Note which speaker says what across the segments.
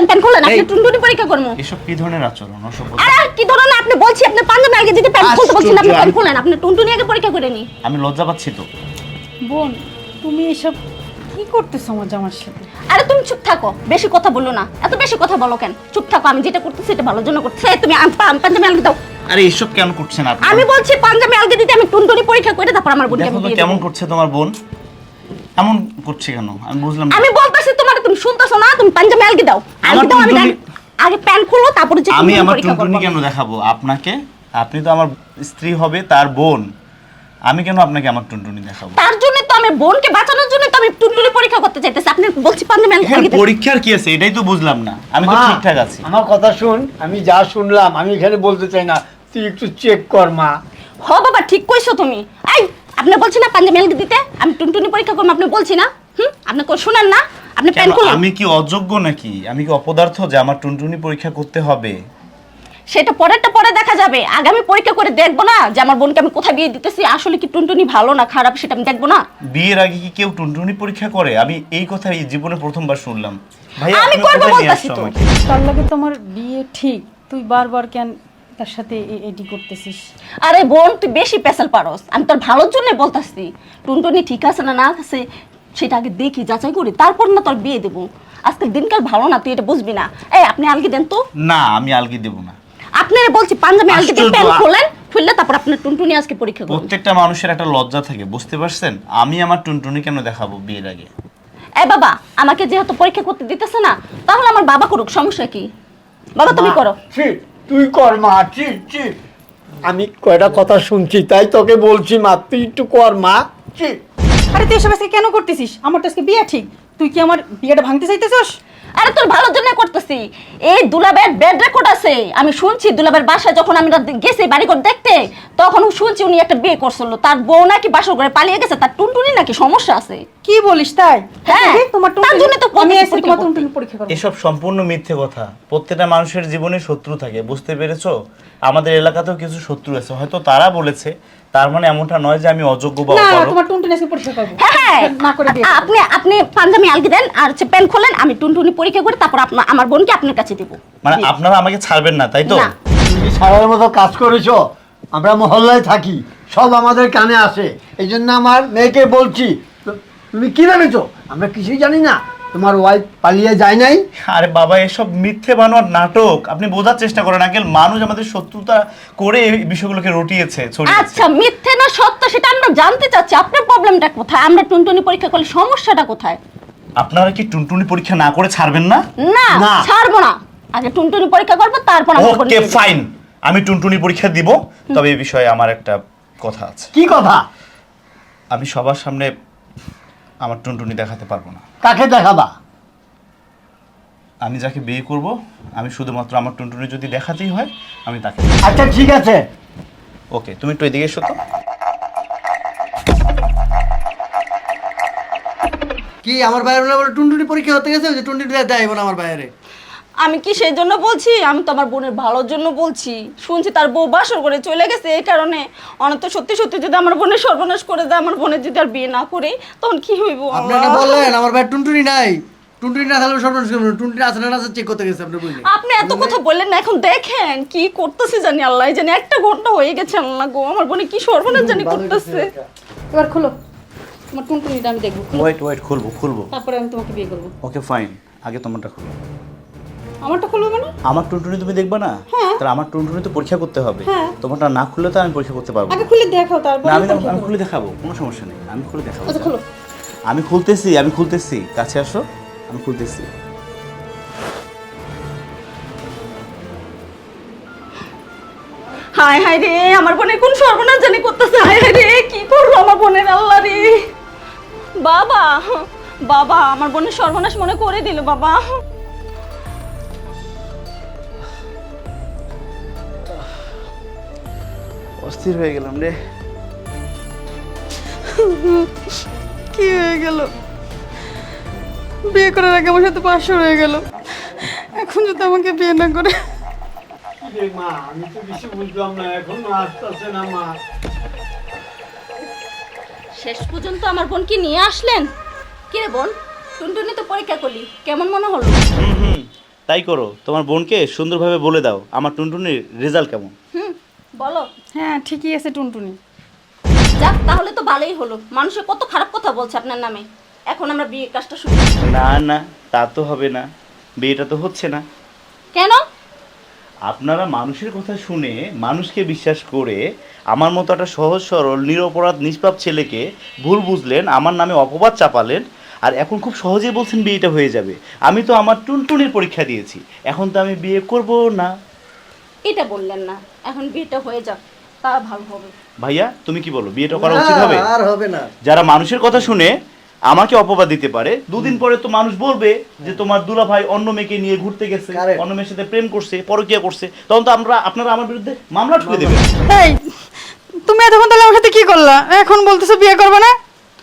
Speaker 1: Pan খোলেন, আপনি টুনটুনি পরীক্ষা করবো।
Speaker 2: এসব কি ধরনের আচরণ?
Speaker 1: আরে কি ধরনের আপনি বলছি, আপনি পাঞ্জাবি আগে দিতে প্যান খুলতে বলছেন, আপনি প্যান খোলেন, আপনি টুনটুনি আগে পরীক্ষা করে নি।
Speaker 2: আমি লজ্জা পাচ্ছি তো।
Speaker 3: বোন, তুমি এসব কি করতেছো আমার জামার সাথে?
Speaker 1: আরে তুমি চুপ থাকো, বেশি কথা বলো না, এত বেশি কথা বলো কেন? চুপ থাকো, আমি যেটা করতেছি এটা ভালোর জন্য করতেছি। তুমি পাঞ্জাবি আলগে দাও।
Speaker 2: আরে এসব কেন করছেন আপনি?
Speaker 1: আমি বলছি পাঞ্জাবি আলগে দিতে, আমি টুনটুনি পরীক্ষা করে তারপর আমার বোনকে আমি
Speaker 2: দেখো তো
Speaker 1: বিয়ে দেব।
Speaker 2: কেমন করছে তোমার বোন, এমন করছে কেন আমি বুঝলাম না।
Speaker 1: আমি বলতাছি তোমার, তুমি শুনতাছো না? তুমি পাঞ্জাবি আলগে দাও, আলগে দাও। আমি আগে প্যান খুলো তারপরে যে
Speaker 2: আমি আমার
Speaker 1: পরীক্ষা করব।
Speaker 2: টুনটুনি কেন দেখাবো আপনাকে? আপনি তো আমার স্ত্রী হবে, তার বোন। আমি কেন আপনাকে আমার টুনটুনি দেখাবো?
Speaker 1: তার জন্য তো আমি বোনকে বাঁচানোর জন্য তো আমি টুনটুনি পরীক্ষা করতে চাইতেছি। আপনি বলছি পাঞ্জাবি আলগে
Speaker 2: এখানে
Speaker 1: দাও।
Speaker 2: পরীক্ষার কি আছে এটাই তো বুঝলাম না। আমি তো
Speaker 4: মা,
Speaker 2: ঠিকঠাক আছি।
Speaker 4: আমার কথা শুন, আমি যা শুনলাম আমি এখানে বলতে চাই না, তুই একটু চেক কর মা।
Speaker 1: হ বাবা, ঠিক কইছো তুমি। এই আপনি বলছি না পাঞ্জাবি আলগে দিতে, আমি টুনটুনি পরীক্ষা করব, আপনি বলছি না? আপনি শুনেন না? আপনি প্যান
Speaker 2: কেন,
Speaker 1: খুলেন।
Speaker 2: আমি কি অযোগ্য নাকি? আমি কি অপদার্থ যে আমার টুনটুনি পরীক্ষা করতে হবে?
Speaker 1: সেটা পরেরটা পরে দেখা যাবে। আগে আমি পরীক্ষা করে দেখবো না যে আমার বোনকে আমি কোথায় বিয়ে দিতেছি, আসলে কি টুনটুনি ভালো না খারাপ সেটা আমি দেখবো না?
Speaker 2: বিয়ের আগে কি কেউ টুনটুনি পরীক্ষা করে? আমি এই কথা এই জীবনে প্রথমবার শুনলাম। ভাইয়া
Speaker 1: আমি
Speaker 2: তুমি
Speaker 1: করবো
Speaker 2: কোথায় নিয়ে
Speaker 1: বলতাছি
Speaker 2: আসছো
Speaker 1: তো।
Speaker 2: আমাকে?
Speaker 3: তার লাগে তোমার বিয়ে ঠিক, তুই বারবার কেন তার সাথে এটি করতেছিস?
Speaker 1: আরে বোন, তুই বেশি পেশাল পারস। আমি তোর ভালোর জন্য বলতাছি, টুনটুনি ঠিক আছে না না আছে সেটা আগে দেখি, যাচাই করি, তারপর না তোর বিয়ে দেবো। আজকের দিনকাল ভালো না, তুই এটা বুঝবি না। এই আপনি আলগি দেন তো।
Speaker 2: না, আমি আলগি দেব না।
Speaker 1: আপনারা বলছি পাঞ্জাবি আলগি দিয়ে
Speaker 2: আশ্চর্য।
Speaker 1: প্যান খোলেন, খুললে তারপর আপনার টুনটুনি আজকে পরীক্ষা করুন।
Speaker 2: প্রত্যেকটা মানুষের একটা লজ্জা থাকে, বুঝতে পারছেন? আমি আমার টুনটুনি কেন দেখাবো বিয়ের আগে?
Speaker 1: এই বাবা, আমাকে যেহেতু পরীক্ষা করতে দিতেছে না, তাহলে আমার বাবা করুক, সমস্যা কি? বাবা তুমি
Speaker 4: মা,
Speaker 1: করো।
Speaker 4: ঠিক, তুই কর মা, ঠিক ঠিক। আমি কয়টা কথা শুনছি তাই তোকে বলছি মা, তুই একটু কর মা, ঠিক।
Speaker 3: আরে তুই এসব আজকে কেন করতেছিস? আমার তো আজকে বিয়ে ঠিক, তুই কি আমার বিয়েটা ভাঙতে চাইতেছস?
Speaker 1: আরে তোর ভালোর জন্য করতেছি। এই দুলাবের বেড রেকর্ড আছে, আমি শুনছি দুলাবের বাসায় যখন আমরা গেছি বাড়িঘর দেখতে, তখন শুনছি উনি একটা বিয়ে করছিল, তার বউ নাকি বাসর করে পালিয়ে গেছে, তার টুনটুনি নাকি সমস্যা আছে।
Speaker 3: কি বলিস তাই?
Speaker 1: হ্যাঁ,
Speaker 3: তোমার
Speaker 1: তার জন্য তো
Speaker 3: আমি
Speaker 1: পরীক্ষা
Speaker 3: আজকে তোমার
Speaker 1: করতে।
Speaker 3: টুনটুনি পরীক্ষা করব।
Speaker 2: এসব সম্পূর্ণ মিথ্যে কথা। প্রত্যেকটা মানুষের জীবনে শত্রু থাকে, বুঝতে পেরেছো? আমাদের এলাকাতেও কিছু শত্রু আছে, হয়তো তারা বলেছে, তার মানে এমনটা নয় যে আমি অযোগ্য বা
Speaker 3: না,
Speaker 2: অপারগ।
Speaker 3: তোমার টুনটুনি আজকে পরীক্ষা করব।
Speaker 1: হ্যাঁ
Speaker 3: না করে বিয়ে করব।
Speaker 1: আপনি আপনি পাঞ্জাবি আলগি দেন আর হচ্ছে প্যান খোলেন, আমি টুনটুনি পরীক্ষা করে তারপর আমার বোনকে আপনার কাছে দেবো।
Speaker 2: মানে আপনারা আমাকে ছাড়বেন না, তাই তো?
Speaker 1: না।
Speaker 4: তুমি কি সারার মতো কাজ করেছো? আমরা মহল্লায় থাকি, সব আমাদের কানে আসে, এই জন্য আমার মেয়েকে বলছি। তুমি কি ভেবেছো আমরা কিছুই জানি না? তোমার ওয়াইফ পালিয়ে যায় নাই?
Speaker 2: আরে বাবা, এসব মিথ্যে বানোয়ার নাটক। আপনি বোঝার চেষ্টা করেন আঙ্কেল, মানুষ আমাদের শত্রুতা করে এই বিষয়গুলোকে রটিয়েছে, ছড়িয়েছে।
Speaker 1: আচ্ছা, মিথ্যে না সত্য সেটা আমরা জানতে চাচ্ছি। আপনার প্রবলেমটা কোথায়? আমরা টুনটুনি পরীক্ষা করলে সমস্যাটা কোথায়?
Speaker 2: আপনারা কি টুনটুনি পরীক্ষা না করে ছাড়বেন না?
Speaker 1: না,
Speaker 4: না।
Speaker 1: ছাড়বো না। আগে টুনটুনি পরীক্ষা করবো, তারপর আমার বোনকে
Speaker 2: ওকে
Speaker 1: বিয়ে দেব।
Speaker 2: ফাইন, আমি টুনটুনি পরীক্ষা দিব। তবে এই বিষয়ে আমার একটা কথা আছে।
Speaker 4: কি কথা?
Speaker 2: আমি সবার সামনে আমার টুনটুনি দেখাতে পারবো না।
Speaker 4: কাকে দেখাবা?
Speaker 2: আমি যাকে বিয়ে করব, আমি শুধুমাত্র আমার টুনটুনি যদি দেখাতেই হয় আমি তাকে।
Speaker 4: আচ্ছা ঠিক আছে।
Speaker 2: ওকে, তুমি একটু এদিকে এসো তো।
Speaker 5: কি আমার বাইরে বলে টুনটুনি পরীক্ষা হতে গেছে, ওই যে টুনটুনি দেয় বলে আমার বাইরে।
Speaker 1: আমি কি সেই জন্য বলছি? আমি তো আমার বোনের ভালোর জন্য বলছি। শুনছি তার বউ বাসর করে চলে গেছে, এই কারণে অনত সত্যি সত্যি যদি আমার বোনের সর্বনাশ করে দেয়, আমার বোনের যদি আর বিয়ে না করে, তখন কি হইব?
Speaker 5: আপনি না বললেন আমার বাইরে টুনটুনি নাই, টুনটুনি না থাকলে সর্বনাশ করবেন। টুনটুনি আছে না আছে চেক করতে গেছে, আপনি বুঝলেন?
Speaker 1: আপনি এত কথা বললেন না, এখন দেখেন কি করতেছে জানি আল্লাহ জানি। 1 ঘন্টা হয়ে গেছে, আল্লাহ গো, আমার বোনে কি সর্বনাশ জানি করতেছে।
Speaker 3: এবার খোলো, তোমার টুনটুনিটা আমি দেখবো। খোলো,
Speaker 2: ওয়েট, খুলবো।
Speaker 3: তারপরে আমি তোমাকে বিয়ে করব।
Speaker 2: ওকে ফাইন, আগে তোমারটা খুলো।
Speaker 3: আমারটা খুলবো মানে?
Speaker 2: আমার টুনটুনি তুমি দেখবা না? তাহলে আমার টুনটুনি তো পরীক্ষা করতে হবে।
Speaker 3: হ্যাঁ।
Speaker 2: তোমারটা না খুললে তো আমি পরীক্ষা করতে পারবো
Speaker 3: আগে
Speaker 2: না।
Speaker 3: খুলে দেখাও, তারপর
Speaker 2: না, আমি খুলে দেখাবো, কোনো সমস্যা নেই, আমি খুলে দেখাবো।
Speaker 3: আচ্ছা খোলো।
Speaker 2: আমি খুলতেছি, কাছে আসো, আমি খুলতেছি।
Speaker 1: হায় হায় রে, আমার বোনের কোন সর্বনাশ জানি করতেছে। হায় হায় রে, কি করবো আমার বোনের, আল্লাহ রে। বাবা, বাবা, আমার বোনের সর্বনাশ মনে করে দিল বাবা।
Speaker 2: অস্থির হয়ে গেলাম রে।
Speaker 3: কি হয়ে গেল? বিয়ে করার আগে আমার সাথে 500 হয়ে গেল, এখন যদি আমাকে বিয়ে না করে।
Speaker 4: মা, আমি তো কিছু বুঝলাম না, এখন আসতেছে না মা।
Speaker 1: শেষ পর্যন্ত আমার বোনকে নিয়ে আসলেন। কি রে বোন, টুনটুনি তো পরীক্ষা করলি, কেমন মনে হলো?
Speaker 2: তাই করো, তোমার বোনকে সুন্দরভাবে বলে দাও আমার টুনটুনির রেজাল্ট কেমন।
Speaker 1: বলো।
Speaker 3: হ্যাঁ ঠিকই আছে টুনটুনি।
Speaker 1: যাক, তাহলে তো ভালোই হলো। মানুষে কত খারাপ কথা বলছে আপনার নামে। এখন আমরা বিয়ের কাজটা শুরু করি।
Speaker 2: না না, তা তো হবে না, বিয়েটা তো হচ্ছে না।
Speaker 1: কেন?
Speaker 2: আপনারা মানুষের কথা শুনে মানুষকে বিশ্বাস করে আমার মতো একটা সহজ সরল নিরপরাধ নিষ্পাপ ছেলেকে ভুল বুঝলেন, আমার নামে অপবাদ চাপালেন, আর এখন খুব সহজেই বলছেন বিয়েটা হয়ে যাবে। আমি তো আমার টুনটুনির পরীক্ষা দিয়েছি, এখন তো আমি বিয়ে করব না।
Speaker 1: এটা বললেন না, এখন বিয়েটা হয়ে যাক, তা ভালো হবে।
Speaker 2: ভাইয়া তুমি কি বলো, বিয়েটা করা উচিত হবে?
Speaker 5: আর হবে না।
Speaker 2: যারা মানুষের কথা শুনে আমাকে অপবাদ দিতে পারে, দুদিন পরে তো মানুষ বলবে যে তোমার দুলা ভাই অন্য মেয়েকে নিয়ে ঘুরতে গেছে,
Speaker 5: Correct.
Speaker 2: অন্য মেয়ের সাথে প্রেম করছে, পরকীয়া করছে, তখন তো আপনারা আমার বিরুদ্ধে মামলা ঠুকে দেবেন।
Speaker 3: এই তুমি এতক্ষণ তাহলে আমার সাথে কি করলা? এখন বলতেছো বিয়ে করবে না?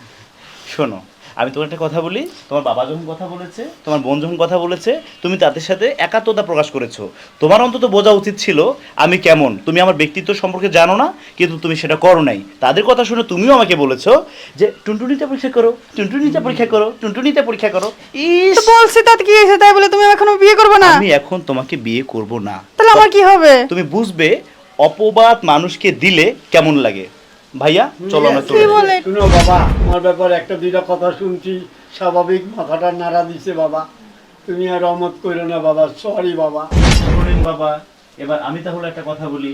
Speaker 2: শোনো, আমি তোমার একটা কথা বলি, তোমার বাবা যখন কথা বলেছে, তোমার বোন যখন কথা বলেছে, তুমি তাদের সাথে একাত্মতা প্রকাশ করেছো। তোমার অন্তত বোঝা উচিত ছিল আমি কেমন। তুমি আমার ব্যক্তিত্ব সম্পর্কে জানো না, কিন্তু তুমি সেটা করো নাই। তাদের কথা শুনে তুমিও আমাকে বলেছো যে টুনটুনিতে পরীক্ষা করো, টুনটুনিতে পরীক্ষা করো, টুনটুনিতে পরীক্ষা করো।
Speaker 3: তো বলছি তাতে কি হয়েছে? তাই বলে তুমি এখনো বিয়ে করবে না?
Speaker 2: আমি এখন তোমাকে বিয়ে করব না।
Speaker 3: তাহলে আমার কি হবে?
Speaker 2: তুমি বুঝবে অপবাদ মানুষকে দিলে কেমন লাগে। ভাইয়া চলো আমরা
Speaker 3: কি
Speaker 2: চলে যাই।
Speaker 3: বলে?
Speaker 4: শুনো বাবা, তোমার ব্যাপারে একটা দুইটা কথা শুনছি, স্বাভাবিক মাথাটা নাড়া দিছে বাবা। তুমি আর রহমত করো না বাবা, সরি বাবা।
Speaker 2: শোনেন বাবা, এবার আমি তাহলে একটা কথা বলি।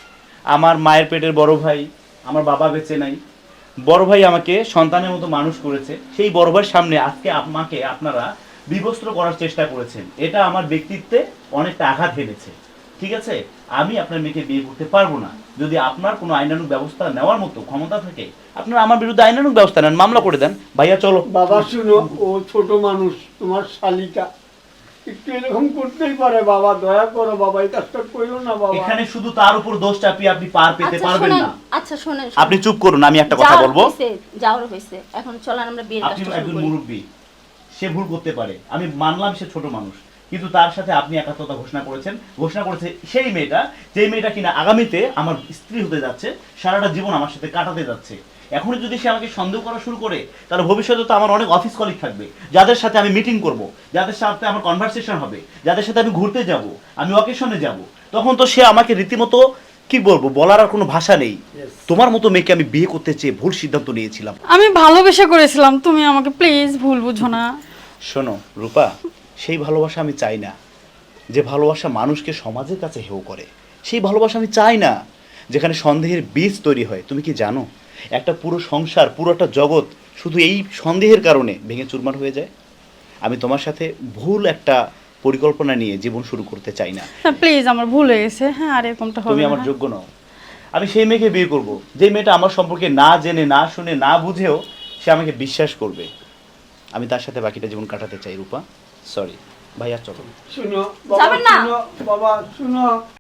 Speaker 2: আমার মায়ের পেটের বড় ভাই, আমার বাবা বেঁচে নাই, বড় ভাই আমাকে সন্তানের মতো মানুষ করেছে। সেই বড় ভাইয়ের সামনে আজকে আমাকে আপনারা বিবস্ত্র করার চেষ্টা করেছেন। এটা আমার ব্যক্তিত্বে অনেকটা আঘাত হেনেছে। ঠিক আছে, আমি আপনার মেয়েকে বিয়ে করতে পারবো না। যদি আপনার কোনো আইনানুগ ব্যবস্থা নেওয়ার মতো ক্ষমতা থাকে, আপনারা আমার বিরুদ্ধে আইনানুগ ব্যবস্থা নেন, মামলা করে দেন। ভাইয়া চলো।
Speaker 4: বাবা শুনো, ও ছোট মানুষ, তোমার শালিকা, একটু এরকম করতেই পারে বাবা। দয়া করো বাবা, এই কাজটা করো না বাবা।
Speaker 2: এখানে শুধু তার উপর দোষ চাপিয়ে আপনি পার পেতে
Speaker 1: আচ্ছা
Speaker 2: পারবেন
Speaker 1: শোনেন,
Speaker 2: না।
Speaker 1: আচ্ছা শোনেন,
Speaker 2: আপনি চুপ করুন, আমি একটা কথা বলবো।
Speaker 1: যাওয়ার হয়েছে, এখন চলেন আমরা বিয়ের
Speaker 2: আপনি
Speaker 1: কাজটা শুরু
Speaker 2: একজন
Speaker 1: করি।
Speaker 2: মুরব্বী, সে ভুল করতে পারে, আমি মানলাম সে ছোট মানুষ, কিন্তু তার সাথে আপনি একাত্মতা ঘোষণা করেছে সেই মেয়েটা, যেই মেয়েটা কিনা আগামীতে আমার স্ত্রী হতে যাচ্ছে, সারাটা জীবন আমার সাথে কাটাতে যাচ্ছে। এখন যদি সে আমাকে সন্দেহ করা শুরু করে, তাহলে ভবিষ্যতে তো আমার অনেক অফিস কলিগ থাকবে, যাদের সাথে আমি মিটিং করব, যাদের সাথে আমার কনভারসেশন হবে, যাদের সাথে আমি ঘুরতে যাব, আমি অকেশনে যাব, তখন তো সে আমাকে রীতিমতো কি বলবো, বলার আর কোনো ভাষা নেই। তোমার মতো মেয়েকে আমি বিয়ে করতে চেয়ে ভুল সিদ্ধান্ত নিয়েছিলাম।
Speaker 3: আমি ভালোবেসে করেছিলাম, তুমি আমাকে প্লিজ ভুল বুঝো না।
Speaker 2: শোনো রূপা, সেই ভালোবাসা আমি চাই না, যে ভালোবাসা মানুষকে সমাজের কাছে হেয় করে। সেই ভালোবাসা আমি চাই না, যেখানে সন্দেহের বীজ তৈরি হয়। তুমি কি জানো, একটা পুরো সংসার, পুরোটা জগৎ শুধু এই সন্দেহের কারণে ভেঙে চুরমার হয়ে যায়। আমি তোমার সাথে ভুল একটা পরিকল্পনা নিয়ে জীবন শুরু করতে চাই না।
Speaker 3: হ্যাঁ প্লিজ, আমার ভুল হয়ে গেছে। হ্যাঁ আর এরকমটা হবে
Speaker 2: তুমি
Speaker 3: না।
Speaker 2: আমার যোগ্য নও। আমি সেই মেয়েকে বিয়ে করব, যে মেয়েটা আমার সম্পর্কে না জেনে, না শুনে, না বুঝেও সে আমাকে বিশ্বাস করবে। আমি তার সাথে বাকিটা জীবন কাটাতে চাই রূপা। সরি ভাইয়া, চলো।
Speaker 4: শুনো বাবা,
Speaker 1: যাবেন না?
Speaker 4: শুনো বাবা, শুনো।